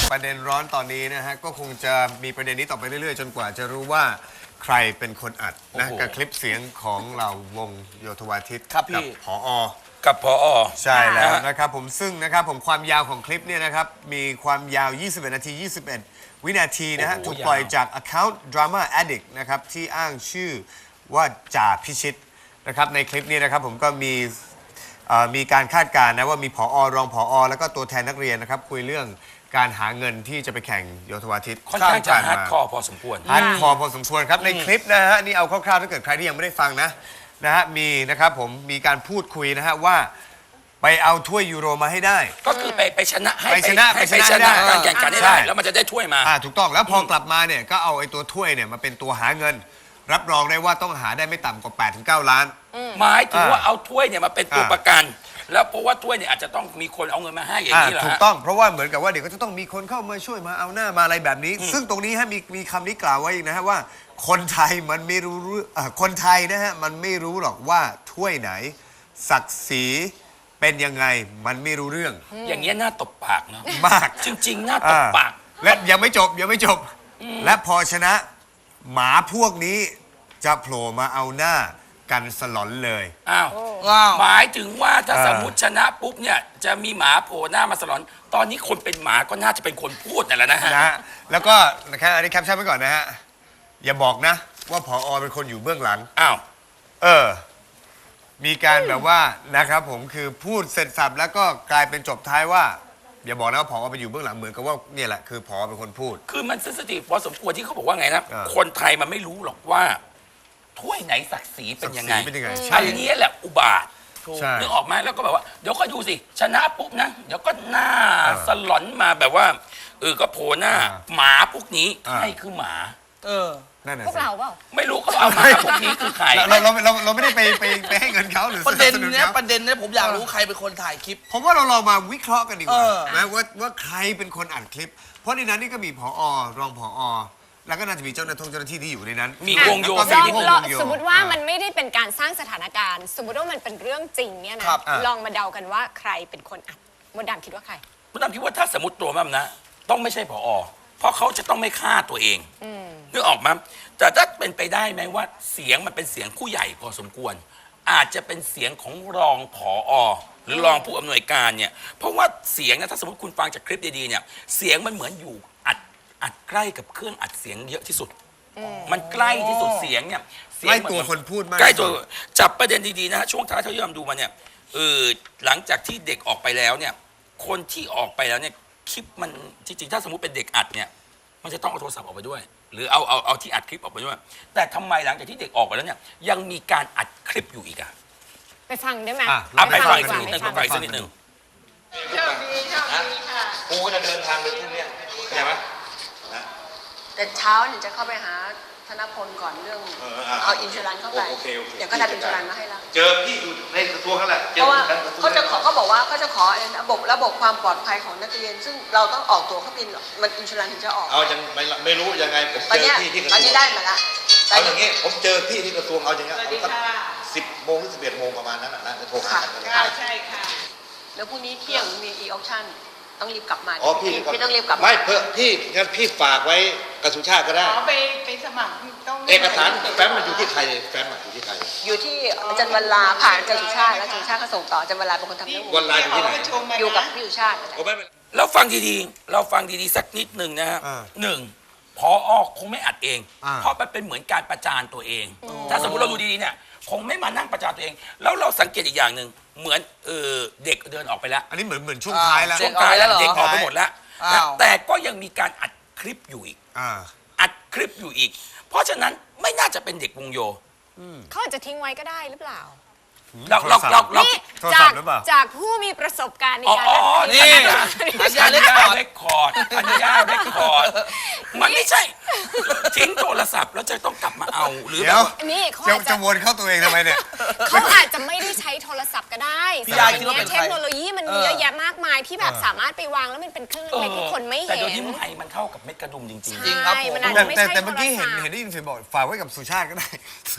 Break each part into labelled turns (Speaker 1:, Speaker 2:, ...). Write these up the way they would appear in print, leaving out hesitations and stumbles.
Speaker 1: ประเด็นร้อนตอนนี้นะฮะก็คงจะมีประเด็นนี้ต่อไปเรื่อยๆจนกว่าจะรู้ว่าใครเป็นคนอัดนะกับคลิปเสียงของเราวงโยธวาทิต
Speaker 2: ครับพี่
Speaker 1: กับผอ
Speaker 2: กับพอ
Speaker 1: ใช่แล้วนะครับผมซึ่งนะครับผมความยาวของคลิปเนี่ยนะครับมีความยาว 21 นาที 21 วินาทีนะฮะถูกปล่อยจาก account drama addict นะครับที่อ้างชื่อว่าจ่าพิชิตนะครับในคลิปนี้นะครับผมก็มีการคาดการณ์นะว่ามีผอรองผอแล้วก็ตัวแทนนักเรียนนะครับคุยเรื่องการหาเงินที่จะไปแข่งโยธวาทิต
Speaker 2: ค่อนข้างจะฮาร์ดคอร์พอสมควร
Speaker 1: ฮาร์ดคอร์พอสมควรครับในคลิปนะฮะนี่เอาคร่าวๆถ้าเกิดใครที่ยังไม่ได้ฟังนะฮะมีนะครับผมมีการพูดคุยนะฮะว่าไปเอาถ้วยยูโรมาให้ได้
Speaker 2: ก็คือไปชนะให้
Speaker 1: ไปชนะ
Speaker 2: การแข่งขันให้
Speaker 1: ใช่
Speaker 2: ได้แล้วมันจะได้ถ้วยมา
Speaker 1: ถูกต้องแล้วพอกลับมาเนี่ยก็เอาไอ้ตัวถ้วยเนี่ยมาเป็นตัวหาเงิน รับรองได้ว่าต้องหาได้ไม่ต่ำกว่า 8-9 ล้าน
Speaker 2: หมายถึงว่าเอาถ้วยเนี่ยมาเป็นตัวประกัน แล้วเพราะว่าถ้วยเนี่ยอาจจะต้องมีคนเอาเงินมาให้อย่างนี้เหรอ
Speaker 1: ถูก
Speaker 2: ฮะ
Speaker 1: ต้องเพราะว่าเหมือนกับว่าเดี๋ยวก็จะต้องมีคนเข้ามาช่วยมาเอาหน้ามาอะไรแบบนี้ ซึ่งตรงนี้ฮะมีคำนี้กล่าวไว้อีกนะฮะว่าคนไทยมันไม่รู้คนไทยนะฮะมันไม่รู้หรอกว่าถ้วยไหนศักดิ์ศรีเป็นยังไงมันไม่รู้เรื่อง
Speaker 2: อย่างเงี้ยน่าตบปากเนาะ
Speaker 1: มาก
Speaker 2: จริงๆน่าตบปาก
Speaker 1: และยังไม่จบและพอชนะหมาพวกนี้จะโผล่มาเอาหน้ากันสลอนเลย
Speaker 2: อ้าว
Speaker 3: ว้าว
Speaker 2: หมายถึงว่าถ้าสมมติชนะปุ๊บเนี่ยจะมีหมาโผล่หน้ามาสลอน ตอนนี้คนเป็นหมาก็น่าจะเป็นคนพูดนั่นแหละนะฮะ
Speaker 1: นะฮะแล้วก็นะครับอันนี้แคปชั่นไว้ก่อนนะฮะอย่าบอกนะว่าผอเป็นคนอยู่เบื้องหลัง
Speaker 2: อ้าว
Speaker 1: มีการแบบว่านะครับผมคือพูดเสร็จสับแล้วก็กลายเป็นจบท้ายว่า อย่าบอกนะว่าผอไปอยู่เบื้องหลังเหมือนกับว่าเนี่ยแหละคือผอเป็นคนพูด
Speaker 2: คือมันเซนซิทีฟพอสมควรที่เขาบอกว่าไงนะ
Speaker 1: อ่า
Speaker 2: คนไทยมันไม่รู้หรอกว่า ถ้วยไหนศักดิ์ศรีเป็นยังไง
Speaker 1: ศักดิ์ศรีเป็นยังไงใช่
Speaker 2: อันนี้แหละอุบาท
Speaker 1: ใช่
Speaker 2: นึกออกไหมแล้วก็แบบว่าเดี๋ยวก็ดูสิชนะปุ๊บนะเดี๋ยวก็หน้าสลอนมาแบบว่าก็โผล่หน้า หมาพวกนี้ใครคือหมา
Speaker 1: นั่นน่ะ
Speaker 4: พวก
Speaker 1: สิ
Speaker 4: เราเปล่า
Speaker 2: ไม่รู้เขาเอาหมาพวกนี้คือใคร
Speaker 1: เราไม่ได้ไปให้เงินเขาหรือ
Speaker 3: ประเด็น
Speaker 1: สบส
Speaker 3: เนี้ย
Speaker 1: ขา
Speaker 3: ประเด็นเนี้ยผมอยากรู้ใครเป็นคนถ่ายคลิป
Speaker 1: ผมว่าเราลองมาวิเคราะห์กันดีกว่า
Speaker 3: เออ
Speaker 1: นะว่าใครเป็นคนอัดคลิป เพราะในนั้นนี่ก็มีผอรองผอแล้วก็น่าจะมีเจ้าหน้าที่ที่อยู่ในนั้น
Speaker 2: มีวงโย
Speaker 1: แล้วก็
Speaker 4: ลอง
Speaker 1: มีวง
Speaker 4: ลอง
Speaker 1: โย
Speaker 4: สมมติว่ามันไม่ได้เป็นการสร้างสถานการณ์ สมมติว่ามันเป็นเรื่องจริงเนี่ยนะครับ ลองมาเดากันว่าใครเป็นคนอัดมดดำคิดว่าใคร
Speaker 2: คุณดำคิดว่าถ้าสมมติตัวมันนะ ต้องไม่ใช่ผอ เพราะเขาจะต้องไม่ฆ่าตัวเองนึกออกมั้ยแต่ถ้าเป็นไปได้ไหมว่าเสียงมันเป็นเสียงผู้ใหญ่พอสมควร อาจจะเป็นเสียงของรองผอ หรือรองผู้อำนวยการเนี่ยเพราะว่าเสียงนะถ้าสมมติคุณฟังจากคลิปดีๆเนี่ยเสียงมันเหมือนอยู่อัดใกล้กับเครื่องอัดเสียงเยอะที่สุด มันใกล้ที่สุดเสียงเนี่ยเสียง
Speaker 1: ใกล้
Speaker 2: มัน
Speaker 1: ตัวคนพูดมาก
Speaker 2: ใกล้ตัว
Speaker 1: ที่สุด
Speaker 2: จับประเด็นดีๆนะฮะช่วงท้ายที่เราดูมาเนี่ยหลังจากที่เด็กออกไปแล้วเนี่ยคนที่ออกไปแล้วเนี่ยคลิปมันจริงๆถ้าสมมติเป็นเด็กอัดเนี่ยมันจะต้องเอาโทรศัพท์ออกไปด้วย หรือเอาที่อัดคลิปออกไปด้วย แต่ทำไมหลังจากที่เด็กออกไปแล้วเนี่ยยังมีการอัดคลิปอยู่อีกอะ
Speaker 4: ไปฟังได้ไหม
Speaker 2: เอาไปฟัง
Speaker 4: ดี
Speaker 2: อีก
Speaker 4: ก
Speaker 2: สั
Speaker 4: ว่าก
Speaker 2: นิดหนึ่ง
Speaker 4: ไป
Speaker 2: ไปฟังอีกสักนิดหนึ่ง
Speaker 5: โชคดีค่ะ
Speaker 6: กูก็จะเดินทางไปพรุ่งเนี้ยเข้าใจไหมนะ
Speaker 5: แต่เช้าเนี่ยจะเข้าไปหาธนพลก่อนเรื่อง เอาอินชูรันเข้าไป
Speaker 6: โอเค
Speaker 5: เดี๋ยวก็ทำอินชูรันมาให้แล้ว
Speaker 6: เจอพี่อยู่ในกระทรวงนั่นแหละเจ
Speaker 5: เพ
Speaker 6: อ
Speaker 5: ราะว่า
Speaker 6: กันกระทรวง
Speaker 5: เขาจะขอเขาบอกว่าเขาจะขอระบบความปลอดภัยของนักเรียน ซึ่งเราต้องออกตัวเขาบินมันอินชูรันถึงจะออก
Speaker 6: เอายังไม่รู้ยังไงผม
Speaker 5: ตอน
Speaker 6: เจ
Speaker 5: เนี้
Speaker 6: อย พี่ที่กระท
Speaker 5: ต
Speaker 6: ร
Speaker 5: อน
Speaker 6: วง
Speaker 5: นี้ได้มาละ
Speaker 6: เอาอย่างงี้ผมเจอพี่ที่กระทรวงเอาอย่างเงี้ย
Speaker 5: สวัสดี
Speaker 6: เอาสัก
Speaker 5: ค่ะ
Speaker 6: 10 โมงหรือ 11 โมงประมาณนั้นนะจะโทรหากัน
Speaker 5: ใช่ค่ะแล้วพรุ่งนี้เที่ยงมีอีออคชั่นต้องรีบกลับมา
Speaker 6: อ๋อพี่
Speaker 5: พี่ต้องรีบกลับมา
Speaker 6: ไม่เพื่อพี่งั้นพี่ฝากไว้กระทรวงชาติก็ได้
Speaker 7: อ๋อไปสมัครต้อง
Speaker 6: เอกสารแฟ้มมันอยู่ที่ใครแฟ้มมันอยู่ที่ใคร
Speaker 5: อยู่ที่อาจารย์วันลาผ่านอาจารย์สุชาติแล้วอาจารย์สุชาติก็ส่งต่ออาจารย์วันลาเป็นคนทำเรื่องหม
Speaker 6: วั
Speaker 5: ด
Speaker 6: นไลน์อยู่ที่ไหน
Speaker 5: อยู่กับพี่สุชาตินั่นแหละ
Speaker 6: โอ้ไม่เป็นไร
Speaker 2: เราฟังดีๆสักนิดหนึ่งนะฮะหนึ่งพอคงไม่อัดเอง เพราะมันเป็นเหมือนการประจานตัวเอง ถ้าสมมติเราดูดีๆเนี่ยคงไม่มานั่งประจานตัวเอง แล้วเราสังเกตอีกอย่างหนึ่งเหมือนเด็กเดินออกไปแล้ว
Speaker 1: อันนี้เหมือนช่วงท้ายแล้ว
Speaker 2: ช่วงท้ายแล้วเด็กออกไปหมดแล้ว
Speaker 3: อ้าว
Speaker 2: แต่ก็ยังมีการอัดคลิปอยู่อีก อัดคลิปอยู่อีก เพราะฉะนั้นไม่น่าจะเป็นเด็กวงโย
Speaker 4: เขาอาจจะทิ้งไว้ก็ได้หรือเปล่า
Speaker 2: เรา
Speaker 4: นี่
Speaker 1: โทรศัพท์หรือเปล่า
Speaker 4: จากผู้มีประสบการณ์ใน
Speaker 2: อ๋อ
Speaker 4: การ
Speaker 2: อ๋อ
Speaker 4: อัดคลิ
Speaker 2: นี่
Speaker 4: ป
Speaker 2: อัญญาเรคคอร์ดมันไม่ใช่ ทิ้งโทรศัพท์แล้วจะต้องกลับมาเอาหรือ
Speaker 1: เดี๋
Speaker 2: แบ
Speaker 1: ยว
Speaker 2: บว่า
Speaker 4: นี่เขา
Speaker 1: จะ
Speaker 4: อาจ
Speaker 1: จะ
Speaker 4: จะ
Speaker 1: วนเข้าตัวเองทำไมเนี่ย
Speaker 4: เขาอาจจะไม่ได้ใช้โทรศัพท์ก็ได้
Speaker 3: พี่ยาคิดว่าเป็นใคร
Speaker 4: เทคโนโลยีมันมีเยอะแยะมากมายที่แบบสามารถไปวางแล้วมันเป็นเครื่องเล็กๆที่คนไม่
Speaker 2: แต่
Speaker 4: เห็
Speaker 2: เดี๋ยวน นี้ไมค์มันเท่ากับเม็ดกระดุมจริง
Speaker 3: จริงครับผม
Speaker 4: ใช่มันอาจจะไม่ใช่
Speaker 1: แต่เมื่อกี้
Speaker 4: โทรศัพท์
Speaker 1: เห็นได้ยินเสียงบอกฝากไว้กับสุชาติก็ได้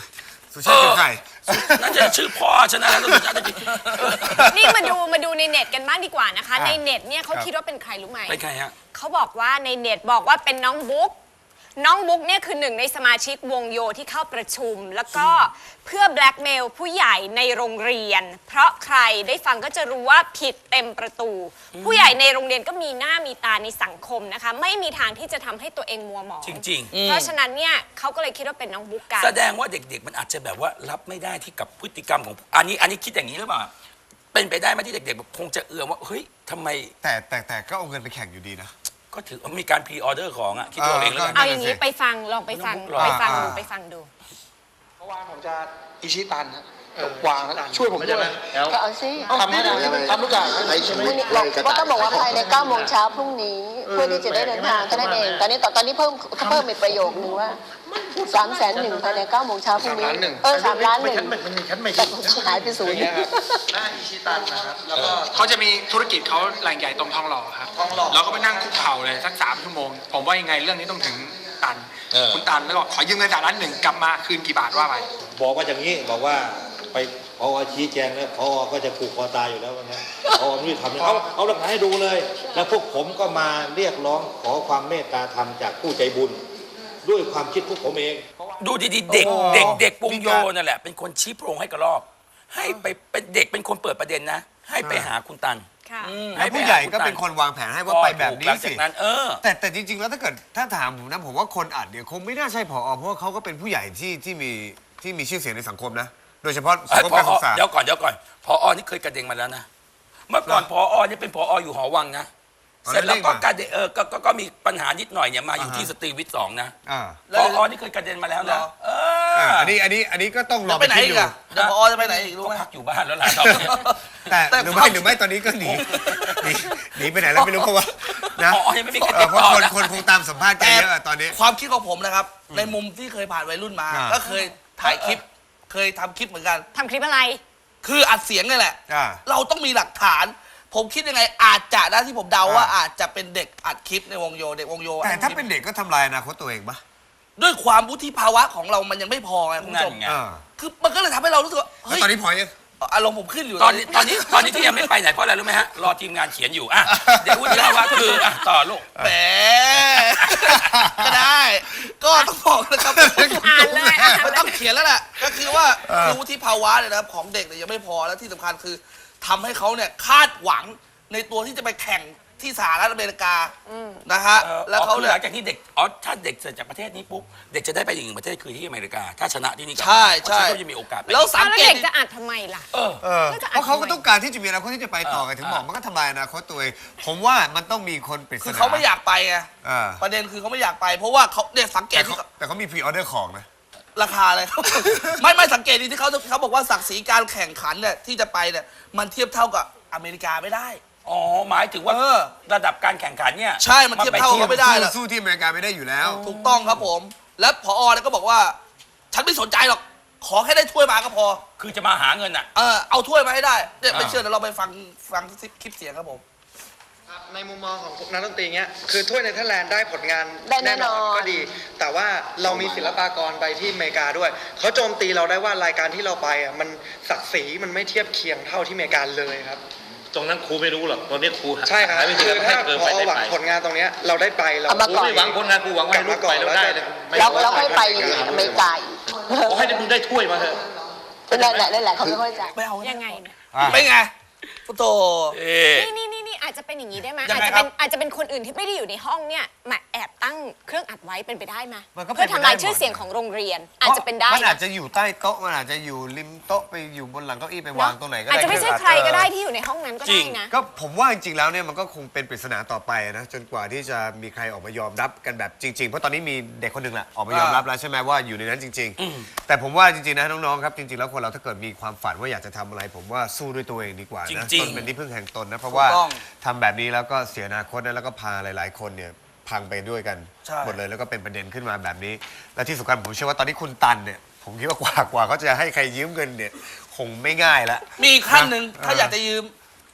Speaker 1: สุชาติคือใคร
Speaker 2: นั่นจะชื่อพ่อฉันนะแล้วสุชาติจะ
Speaker 4: นี่มาดูในเน็ตกันบ้างดีกว่านะคะ ในเน็ตเนี่ยเขาคิดว่าเป็นใครรู้ไหม
Speaker 2: เป็นใครฮะ
Speaker 4: เขาบอกว่าในเน็ตบอกว่าเป็นน้องบุ๊กน้องบุ๊กเนี่ยคือหนึ่งในสมาชิกวงโยที่เข้าประชุม แล้วก็เพื่อแบล็กเมลผู้ใหญ่ในโรงเรียน เพราะใครได้ฟังก็จะรู้ว่าผิดเต็มประตู ผู้ใหญ่ในโรงเรียนก็มีหน้ามีตาในสังคมนะคะ ไม่มีทางที่จะทำให้ตัวเองมัวหมอง
Speaker 2: จริง
Speaker 4: เพราะฉะนั้นเนี่ยเขาก็เลยคิดว่าเป็นน้องบุ๊กกัน
Speaker 2: แสดงว่าเด็กๆ มันอาจจะแบบว่ารับไม่ได้ที่กับพฤติกรรมของอันนี้คิดอย่างนี้หรือเปล่าเป็นไปได้ไหมที่เด็กๆแบบคงจะเอือมว่าเฮ้ยทำไม
Speaker 1: แต่ก็เอาเงินไปแข่งอยู่ดีนะ
Speaker 2: ก็ถือว่ามีการพรีออเดอร์ของอ่ะคิดตัวเองแล้วกัน
Speaker 4: เอาอย่างนี้ไปฟังลองไปฟัง
Speaker 2: ไม่ต้อง
Speaker 4: ไปฟังดู
Speaker 8: เมื่อวานผมจะอิชิตันครับวางแล้วช่วยผมด้วย
Speaker 5: ก็เอาสิ
Speaker 8: ทำให้ได้ทำทุกอย่างให้
Speaker 5: ก็ต้องบอกว่าภายใน9 โมงเช้าพรุ่งนี้ เพื่อที่จะได้เดินทางแค่นั้นเองตอนนี้เพิ่มอีกประโยคนึงว่า301,000ภายใน9 โมงเช้าพรุ่งนี้3 ล้าน
Speaker 8: มันมีชั้นไม่
Speaker 5: แต่หายไปศูนย์
Speaker 8: หน้าอิชิตันนะครับแล้วก็เขาจะมีธุรกิจเขาแหล่งใหญ่ตรงทองหล่อครับเราก็ไปนั่งคุกเข่าเลยสัก3 ชั่วโมงผมว่ายังไงเรื่องนี้ต้องถึงตันคุณตันแล้วก็ขอยืมเงินจากล้าน 1กลับมาคืนกี่บาทว่าไป
Speaker 6: บอกว่าอย่างนี้บอกว่าไปพอชี้แจงแล้วพอก็จะผูกคอตายอยู่แล้ววันนั้นพอไม่ได้ทำเอาหลักฐานให้ดูเลย แล้วพวกผมก็มาเรียกร้องขอความเมตตาธรรมจากผู้ใจบุญ ด้วยความคิดพวกผมเอง
Speaker 2: ดูดีๆเด็กวงโยนั่นแหละเป็นคนชี้โพรงให้กระรอกให้ไปเป็นเด็กเป็นคนเปิดประเด็นนะ ให้ไปหาคุณตัน
Speaker 4: ค่ะ
Speaker 1: แล้วผู้ใหญ่ก็เป็นคนวางแผนให้ว่าไปแบบนี้
Speaker 2: หลังจา
Speaker 1: สิ
Speaker 2: กนั้น
Speaker 1: แต่จริง ๆ แล้วถ้าถามผมนะผมว่าคนอัดเนี่ยคงไม่น่าใช่ผอเพราะว่าเขาก็เป็นผู้ใหญ่ที่มีชื่อเสียงในสังคมนะ โดยเฉพาะสังคมการศึกษา
Speaker 2: เดี๋ยวก่อนผอนี่เคยกระเด็นมาแล้วนะเมื่อก่อนผอนี่เป็นผออยู่หอวังนะเสร็จแล้วก็กระเด็นก็มีปัญหานิดหน่อยเนี่ยมาอยู่ที่สตรีวิทย์2นะผอนี่เคยกระเด็นมาแล้วนะ
Speaker 1: อันนี้ก็ต้องรอ
Speaker 3: ไป
Speaker 1: ไป
Speaker 3: ไหน
Speaker 1: คิด
Speaker 3: อี
Speaker 1: ดู
Speaker 3: กอะเดี๋ยวพอจะไปไหนอีกรู้
Speaker 2: ก็
Speaker 3: ไหม
Speaker 2: พักอยู่บ้านแล้วล่ะตอนนี้
Speaker 1: แต่หรือไม่ตอนนี้ก็หนีไปไหนแล้วไม่รู้เพราะว่านะ
Speaker 2: ผอยังไม่มีใคร
Speaker 1: เพ
Speaker 2: ติด
Speaker 1: ราะ
Speaker 2: ต่อ
Speaker 1: คน
Speaker 2: นะ
Speaker 1: คงตามสัมภาษณ์กันเยอะตอนนี้
Speaker 3: ความคิดของผมนะครับ ในมุมที่เคยผ่านวัยรุ่นมา ก็เคยถ่ายคลิป เคยทำคลิปเหมือนกัน
Speaker 4: ทำคลิปอะไร
Speaker 3: คืออัดเสียงนี่แหละ
Speaker 1: อ่า
Speaker 3: เราต้องมีหลักฐาน ผมคิดยังไงอาจจะนะที่ผมเดาว่าอาจจะเป็นเด็กอัดคลิปในวงโยเด็กวงโย
Speaker 1: แต่ถ้าเป็นเด็กก็ทำลายอนาคตตัวเองปะ
Speaker 3: ด้วยความวุฒิภาวะของเรามันยังไม่พอไงคุณผู้ชม
Speaker 2: นั่นไง
Speaker 3: คือมันก็เลยทำให้เรารู้สึกว่า
Speaker 1: แล้ว
Speaker 3: เฮ้ย
Speaker 1: ตอนนี้พอยัง
Speaker 3: อารมณ์ผมขึ้นอยู่
Speaker 2: ตอนนี้ที่ยังไม่ไปไหนเพราะอะไรรู้ไหมฮะรอทีมงานเขียนอยู่เดี๋ยววุฒิภาวะคือต่อลูก
Speaker 3: แหมก็ได้ ก็ต้องบอกนะครับ
Speaker 4: อ่านเลยอ่านเลย
Speaker 3: มันต้องเขียนแล้วแหละก็คือว่าคือวุฒิภาวะเนี่ยนะครับของเด็กเนี่ยยังไม่พอแล้วที่สำคัญคือทำให้เขาเนี่ยคาดหวังในตัวที่จะไปแข่งที่สหรัฐอเมริกานะฮะแล้วเขา
Speaker 2: คือ
Speaker 3: เนี่
Speaker 2: ห
Speaker 3: ย
Speaker 2: ลังจากที่เด็กถ้าเด็กเสร็จจากประเทศนี้ปุ๊บเด็กจะได้ไปอีกหนึ่งประเทศคือที่อเมริกา ถ้าชนะที่นี่กลับมา
Speaker 3: ใช่
Speaker 2: เพราะฉะนั้นก็จะมีโอกาสไป
Speaker 3: แล้วสั
Speaker 4: แล้
Speaker 3: ง
Speaker 4: ว
Speaker 3: เก
Speaker 4: เด็
Speaker 3: ต
Speaker 4: กจะอัดทำไมล่ะ
Speaker 1: เพราะเขาก็ต้องการที่จะมีอนาคตที่จะไปต่อไงถึงบอกมันก็ทำลายอนาคตตัวเองผมว่ามันต้องมีคนปริศนา
Speaker 3: คือเขาไม่อยากไปไง
Speaker 1: อ่า
Speaker 3: ประเด็นคือเขาไม่อยากไป เพราะว่าเขาเนี่ยสังเกตที่
Speaker 1: แต่เขามีพรีออเดอร์ของนะ
Speaker 3: ราคาเลย ไม่สังเกตดีที่เขาบอกว่าศักดิ์ศรีการแข่งขันเนี่ยที่จะไปเนี่ยมันเทียบเท่ากับอเมริกาไม่ได้
Speaker 2: อ๋อหมายถึงว่าระดับการแข่งขันเนี่ย
Speaker 3: ใช่มันเทียบเท่า ไม่ได้หรอก
Speaker 1: สู้ที่อเมริกาไม่ได้อยู่แล้ว
Speaker 3: ถูกต้องครับผม และผอเนี่ยก็บอกว่า ฉันไม่สนใจหรอก ขอแค่ได้ถ้วยมาก็พอ
Speaker 2: คือจะมาหาเงินอ่ะ
Speaker 3: เอาถ้วยมาให้ได้เนี่ยไม่เชื่อเดี๋ยวเราไปฟังคลิปเสียงครับผม
Speaker 8: ในมุมมองของนักดนตรีเงี้ยคือถ้วยเนเธอร์แลนด์ได้ผลงาน
Speaker 5: ได้แน่นอน
Speaker 8: ก็ดี แต่ว่าเรามีศิลปากรไปที่อเมริกาด้วยเขาโจมตีเราได้ว่ารายการที่เราไปอ่ะมันศักดิ์ศรีมันไม่เทียบเคียงเท่าที่อเมริกาเลยครับ
Speaker 6: ตรงนั้นครูไม่รู้หรอกตอนนี้ครู
Speaker 8: ใช่ครับ
Speaker 6: หาวิธี
Speaker 8: คือ
Speaker 6: ให้
Speaker 8: ถ้า
Speaker 6: เกิด
Speaker 8: พ
Speaker 6: ไป
Speaker 8: อ
Speaker 6: ได้
Speaker 8: หวัง
Speaker 6: ไป
Speaker 8: ผลงานตรงเนี้ยเราได้ไปเรา
Speaker 5: เอามา
Speaker 6: ครู
Speaker 5: ก่อน
Speaker 6: ไม่หวังผลงานครูหวังว่าให้ลูกไปแล้วได้เลยไม่
Speaker 5: แล้วค่อยไปอเมริกาอีก
Speaker 6: ขอให้มึงได้ถ้วยมาเถอะ
Speaker 5: นั่นแหละเขาไม่เข้าใจ
Speaker 3: ไม่เอา
Speaker 4: ยังไงเนี่ย
Speaker 3: ไม่ไงพุทโธ
Speaker 4: นี่อาจจะเป็นอย่างนี้ได้ไหม
Speaker 3: ยังไง
Speaker 4: อาจจะเป็นคนอื่นที่ไม่ได้อยู่ในห้องเนี่ยมาแอบตั้งเครื่องอัดไว้เป็นไปได้ไหม
Speaker 1: มันก็เป็น
Speaker 4: เพื่อทำลาย
Speaker 1: ไปได้หมด
Speaker 4: ชื่อเสียงของโรงเรียนอาจจะเป็นได้
Speaker 1: มันอาจ
Speaker 4: นะ
Speaker 1: จะอยู่ใต้โต๊ะมันอาจจะอยู่ริมโต๊ะไปอยู่บนหลังเก้าอี้ไปวางตรงไหนก็ได้
Speaker 4: อาจจะไม่ใช่ใครก็ได้ที่อยู่ในห้องนั้นก็ได้นะ
Speaker 1: ก็ผมว่าจริงๆแล้วเนี่ยมันก็คงเป็นปริศนาต่อไปนะจนกว่าที่จะมีใครออกมายอมรับกันแบบจริง ๆ เพราะตอนนี้มีเด็กคนหนึ่งแหละออกมายอมรับแล้วใช่ไหมว่าอยู่ในนั้นจริง ๆ แต่ผมว่าจริงๆนะน้องๆครับจริงๆแล้วคนเราถ้าเกิดมีความฝันว่าอยากจะทำอะไร ผมว่าสู้ด้วยตัวเองดีกว่านะ
Speaker 2: จริงๆ
Speaker 1: ตนเป็นที่พึ่งแห่งตนนะเพราะว่า
Speaker 3: ถูกต้อง
Speaker 1: ทำแบบนี้แล้วก็เสียอนาคตนะแล้วก็พาหลายๆคนเนี่ยพังไปด้วยกัน
Speaker 3: ใช่
Speaker 1: หมดเลยแล้วก็เป็นประเด็นขึ้นมาแบบนี้ และที่สำคัญผมเชื่อว่าตอนนี้คุณตันเนี่ยผมคิดว่ากว่าเขาจะให้ใครยืมเงินเนี่ยคงไม่ง่ายละ
Speaker 3: มีอีกขั้นหนึ่งถ้าอยากจะยืม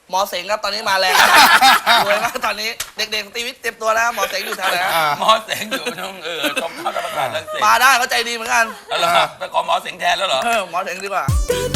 Speaker 3: หมอเสงครับตอนนี้มาแรงรวยมากตอนนี้เด็กๆตีวิทย์เตรียมตัวนะหมอเสงอยู่แถวไหนฮะ
Speaker 2: หมอเสงอยู่ตรงตรงข้าวธรรมศาสตร์รังสิต
Speaker 3: มาได้เขาใจดีเหมือนกัน
Speaker 2: เหรอไปขอหมอเสงแทนแล้วเหรอ
Speaker 3: หมอเสงดีกว่า
Speaker 9: ตี